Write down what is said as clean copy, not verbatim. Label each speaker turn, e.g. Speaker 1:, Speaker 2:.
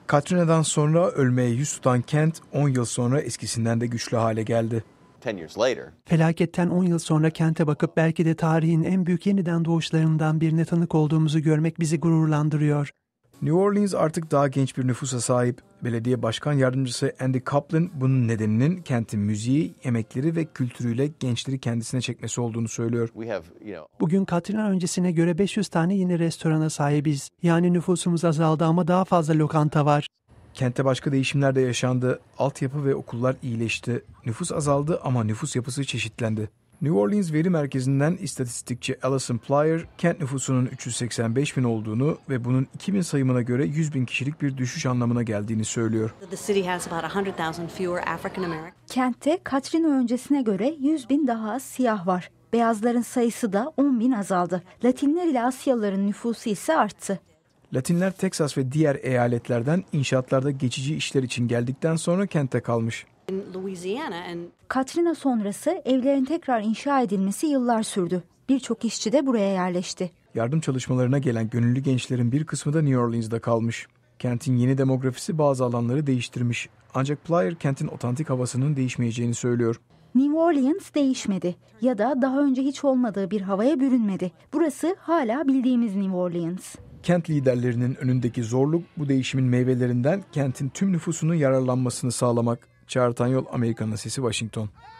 Speaker 1: Katrina'dan sonra ölmeye yüz tutan kent 10 yıl sonra eskisinden de güçlü hale geldi.
Speaker 2: Felaketten 10 yıl sonra kente bakıp belki de tarihin en büyük yeniden doğuşlarından birine tanık olduğumuzu görmek bizi gururlandırıyor.
Speaker 1: New Orleans artık daha genç bir nüfusa sahip. Belediye Başkan Yardımcısı Andy Kaplan bunun nedeninin kentin müziği, yemekleri ve kültürüyle gençleri kendisine çekmesi olduğunu söylüyor.
Speaker 2: Bugün Katrina öncesine göre 500 tane yeni restorana sahibiz. Yani nüfusumuz azaldı ama daha fazla lokanta var.
Speaker 1: Kentte başka değişimler de yaşandı. Altyapı ve okullar iyileşti. Nüfus azaldı ama nüfus yapısı çeşitlendi. New Orleans Veri Merkezi'nden istatistikçi Alison Plyer, kent nüfusunun 385 bin olduğunu ve bunun 2000 sayımına göre 100 bin kişilik bir düşüş anlamına geldiğini söylüyor.
Speaker 3: Kentte Katrina öncesine göre 100 bin daha az siyah var. Beyazların sayısı da 10 bin azaldı. Latinler ile Asyalıların nüfusu ise arttı.
Speaker 1: Latinler Teksas ve diğer eyaletlerden inşaatlarda geçici işler için geldikten sonra kente kalmış.
Speaker 3: Katrina sonrası evlerin tekrar inşa edilmesi yıllar sürdü. Birçok işçi de buraya yerleşti.
Speaker 1: Yardım çalışmalarına gelen gönüllü gençlerin bir kısmı da New Orleans'da kalmış. Kentin yeni demografisi bazı alanları değiştirmiş. Ancak Plyer kentin otantik havasının değişmeyeceğini söylüyor.
Speaker 3: New Orleans değişmedi ya da daha önce hiç olmadığı bir havaya bürünmedi. Burası hala bildiğimiz New Orleans.
Speaker 1: Kent liderlerinin önündeki zorluk bu değişimin meyvelerinden kentin tüm nüfusunun yararlanmasını sağlamak. Çağrı Tanyol, Amerika'nın Sesi, Washington.